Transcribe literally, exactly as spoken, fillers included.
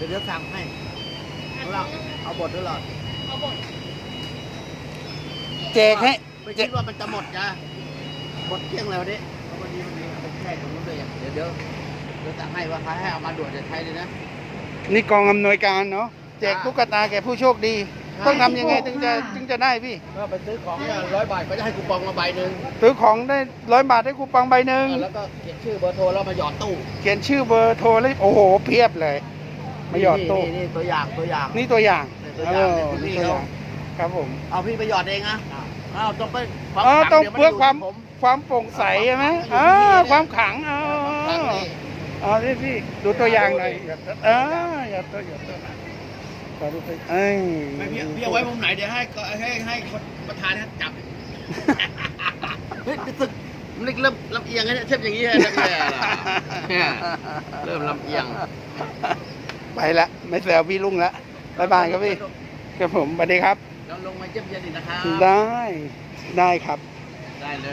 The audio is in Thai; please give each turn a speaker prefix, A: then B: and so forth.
A: ดี๋ยวเดี๋ยวสั่งให้เราเอาบทด้วยหรอ
B: เอาบท
C: แจกให้
A: ไม่คิดว่ามันจะหมดจ้ะหมดเที่ยงแล้วดิวันนี้มันมีแค่ตรงนู้นเลยเดี๋ยวเดี๋ยวเดี๋ยวสั่งให้ว่าใครให้เอามาด่วนจะใช้เลยนะ
C: นี่กองอำนวยการเนาะแจกตุ๊กตาแก่ผู้โชคดี ต้องทำยังไงถึงจะถึงจะได้พี่
A: ก็ไปซื้อของเนี่ยร้อยบาทก็จะให้คูปองมาใบหนึ่ง
C: ซื้อของได้ร้อยบาทได้คูปองใบหนึ่ง
A: แล้วก็เขียนชื่อเบอร์โทรแล้วมาหยอดตู้
C: เขียนชื่อเบอร์โทรแล้วโอ้โหเพียบเลยมาหยอดตู้
A: นี่นี่ตัวอย่างตัวอย่าง
C: นี่ตัวอย่าง
A: ตัวอย่างเนี่ยคุณ
C: นี่
A: พี่
C: ตัวอ
A: เขา
C: ย่างครับผม
A: เอาพี่ไปหยอดเองนะอ้าวต้องไป
C: อ๋อต้อง
A: ดี๋ย
C: เพื่อความ
A: นยู่ที่ผม
C: ความโปร่งใสใช่ไหมอ๋อความขลังอ๋อ
A: ครั้งนี้
C: อ๋อนี่พี่ดูตัวอย่างหน่อยเออหยอดตัวหยอดตัวขอดูตัวเอ้ย
A: ไม่พี่พี่เอาไว้มุมไหนเดี๋ยวให้ให้ให้คนประธานท่านจับ เฮ้ยรู้สึกมันเริ่มลำเอียงแล้วเนี่ยเชฟอย่างนี้เลยนะเนี่ยเนี่ยเริ่มลำเอียง
C: ไปละไม่แซวพี่ลุงละบ๊ายบายครับพี่ครับผมสวัสดีครับ
A: เราลงมาเยี่ยมเยียนอีกนะครับ
C: ได้ได้ครับ
A: ได้เลย